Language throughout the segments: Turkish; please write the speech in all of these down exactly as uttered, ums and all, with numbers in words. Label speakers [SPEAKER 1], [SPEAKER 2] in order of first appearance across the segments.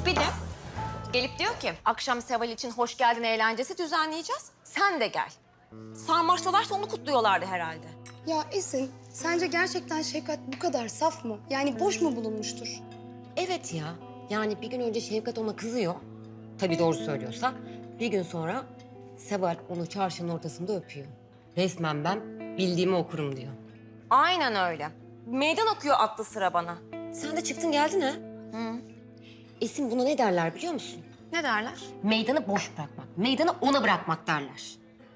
[SPEAKER 1] Bir de gelip diyor ki akşam Seval için hoş geldin eğlencesi düzenleyeceğiz. Sen de gel. Sarmaştalarsa onu kutluyorlardı herhalde.
[SPEAKER 2] Ya Esin, sence gerçekten Şefkat bu kadar saf mı? Yani boş mu bulunmuştur?
[SPEAKER 3] Evet ya. Yani bir gün önce Şevkat ona kızıyor. Tabii doğru söylüyorsa. Bir gün sonra Seval onu çarşının ortasında öpüyor. Resmen ben bildiğimi okurum diyor.
[SPEAKER 1] Aynen öyle. Meydan okuyor aklı sıra bana.
[SPEAKER 3] Sen de çıktın geldin ha?
[SPEAKER 1] Hı.
[SPEAKER 3] Esin buna ne derler biliyor musun?
[SPEAKER 1] Ne derler?
[SPEAKER 3] Meydanı boş bırakmak. Meydanı ona bırakmak derler.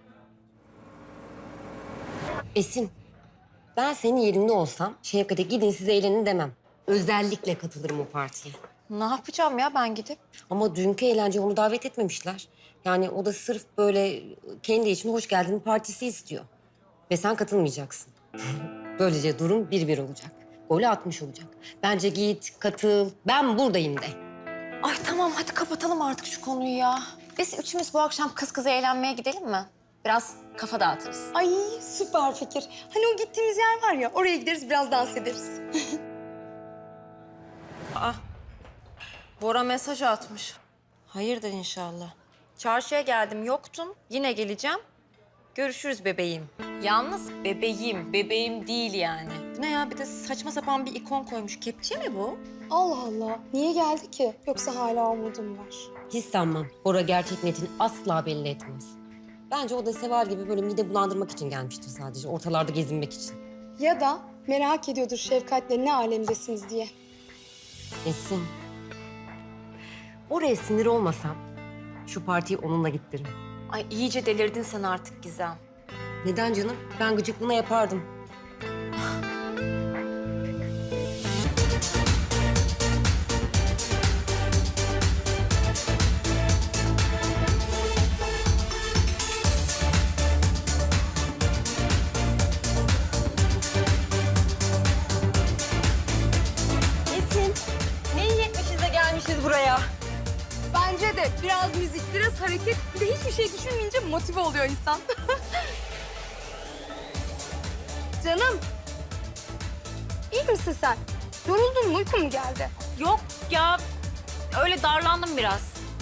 [SPEAKER 3] Esin, ben senin yerinde olsam Şevkat'e gidin siz eğlenin demem. Özellikle katılırım o partiye.
[SPEAKER 1] Ne yapacağım ya ben gidip?
[SPEAKER 3] Ama dünkü eğlence onu davet etmemişler. Yani o da sırf böyle kendi için hoş geldin partisi istiyor. Ve sen katılmayacaksın. Böylece durum bir bir olacak. Golü atmış olacak. Bence git, katıl, ben buradayım de.
[SPEAKER 1] Ay tamam hadi kapatalım artık şu konuyu ya. Biz üçümüz bu akşam kız kıza eğlenmeye gidelim mi? Biraz kafa dağıtırız.
[SPEAKER 2] Ay süper fikir. Hani o gittiğimiz yer var ya, oraya gideriz biraz dans ederiz.
[SPEAKER 1] Aa, Bora mesaj atmış. Hayırdır inşallah. Çarşıya geldim yoktun. Yine geleceğim. Görüşürüz bebeğim. Yalnız bebeğim, bebeğim değil yani. Bu ne ya bir de saçma sapan bir ikon koymuş. Kepçe mi bu?
[SPEAKER 2] Allah Allah, niye geldi ki? Yoksa hala umudum var.
[SPEAKER 3] Hiç sanmam. Bora gerçek niyetini asla belli etmez. Bence o da Seval gibi böyle mide bulandırmak için gelmiştir sadece. Ortalarda gezinmek için.
[SPEAKER 2] Ya da merak ediyordur Şefkat'le ne alemdesiniz diye.
[SPEAKER 3] Esin. Oraya sinir olmasam şu partiyi onunla gittiririm.
[SPEAKER 1] Ay iyice delirdin sen artık Gizem.
[SPEAKER 3] Neden canım? Ben gıcıklığına yapardım.
[SPEAKER 1] Esin, ne iyi etmişiz de gelmişiz buraya.
[SPEAKER 2] Bence de biraz müzik, biraz hareket, bir de hiçbir şey düşünmeyince motive oluyor insan. Canım, iyi misin sen? Yoruldun mu, uyku mu geldi?
[SPEAKER 1] Yok ya, öyle darlandım biraz.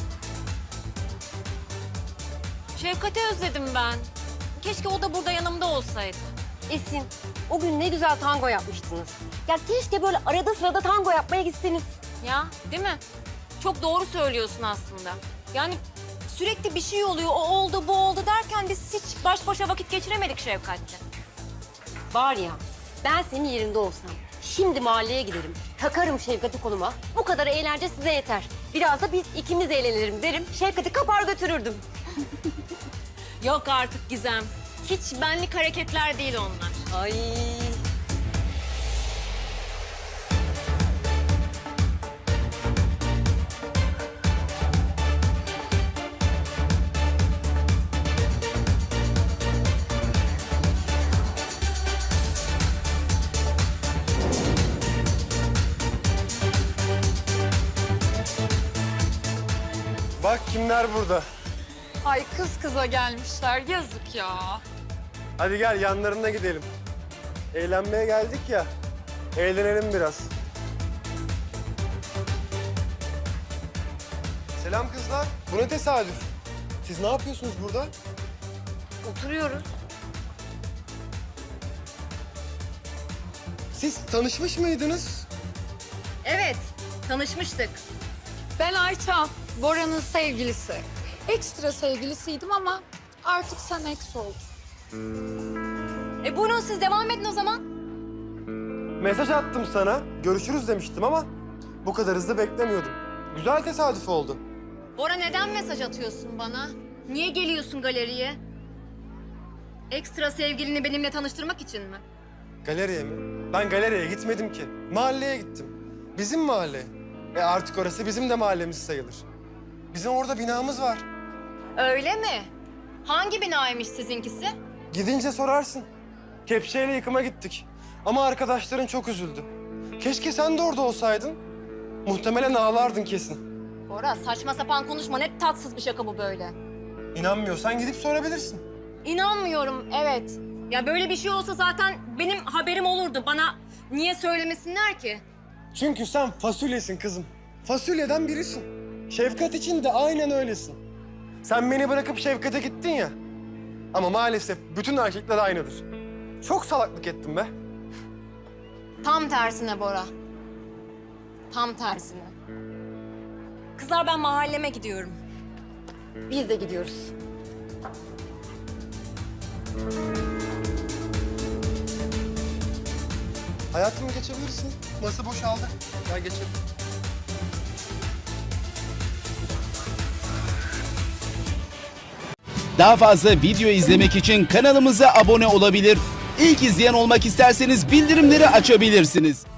[SPEAKER 1] Şefkat'i özledim ben. Keşke o da burada yanımda olsaydı.
[SPEAKER 3] Esin, o gün ne güzel tango yapmıştınız. Ya keşke böyle arada sırada tango yapmaya gitseniz.
[SPEAKER 1] Ya, değil mi? Çok doğru söylüyorsun aslında. Yani sürekli bir şey oluyor, o oldu, bu oldu derken biz hiç baş başa vakit geçiremedik Şefkat'le.
[SPEAKER 3] Var ya, ben senin yerinde olsam şimdi mahalleye giderim. Takarım Şevkat'i koluma. Bu kadar eğlence size yeter. Biraz da biz ikimiz eğlenelim derim. Şevkat'i kapar götürürdüm.
[SPEAKER 1] Yok artık Gizem. Hiç benlik hareketler değil onlar.
[SPEAKER 3] Ay.
[SPEAKER 4] Bak kimler burada.
[SPEAKER 5] Ay kız kıza gelmişler. Yazık ya.
[SPEAKER 4] Hadi gel yanlarına gidelim. Eğlenmeye geldik ya. Eğlenelim biraz. Selam kızlar. Bu ne tesadüf? Siz ne yapıyorsunuz burada?
[SPEAKER 1] Oturuyoruz.
[SPEAKER 4] Siz tanışmış mıydınız?
[SPEAKER 1] Evet, tanışmıştık.
[SPEAKER 5] Ben Ayça, Bora'nın sevgilisi. Ekstra sevgilisiydim ama artık sen eks oldun.
[SPEAKER 1] E buyurun siz devam edin o zaman.
[SPEAKER 4] Mesaj attım sana. Görüşürüz demiştim ama bu kadar hızlı beklemiyordum. Güzel tesadüf oldu.
[SPEAKER 1] Bora neden mesaj atıyorsun bana? Niye geliyorsun galeriye? Ekstra sevgilini benimle tanıştırmak için mi?
[SPEAKER 4] Galeriye mi? Ben galeriye gitmedim ki. Mahalleye gittim. Bizim mahalle. E artık orası bizim de mahallemiz sayılır. Bizim orada binamız var.
[SPEAKER 1] Öyle mi? Hangi binaymış sizinkisi?
[SPEAKER 4] Gidince sorarsın. Kepçeyle yıkıma gittik. Ama arkadaşların çok üzüldü. Keşke sen de orada olsaydın. Muhtemelen ağlardın kesin.
[SPEAKER 1] Bora saçma sapan konuşma. Ne tatsız bir şaka bu böyle.
[SPEAKER 4] İnanmıyorsan gidip sorabilirsin.
[SPEAKER 1] İnanmıyorum, evet. Ya böyle bir şey olsa zaten benim haberim olurdu. Bana niye söylemesinler ki?
[SPEAKER 4] Çünkü sen fasulyesin kızım. Fasulyeden birisin. Şefkat için de aynen öylesin. Sen beni bırakıp Şefkat'e gittin ya. Ama maalesef bütün erkekler aynıdır. Çok salaklık ettim be.
[SPEAKER 1] Tam tersine Bora. Tam tersine. Kızlar ben mahalleme gidiyorum.
[SPEAKER 3] Biz de gidiyoruz.
[SPEAKER 4] Hayatım geçebilirsin. Masa boşaldı. Gel geçelim.
[SPEAKER 6] Daha fazla video izlemek için kanalımıza abone olabilir. İlk izleyen olmak isterseniz bildirimleri açabilirsiniz.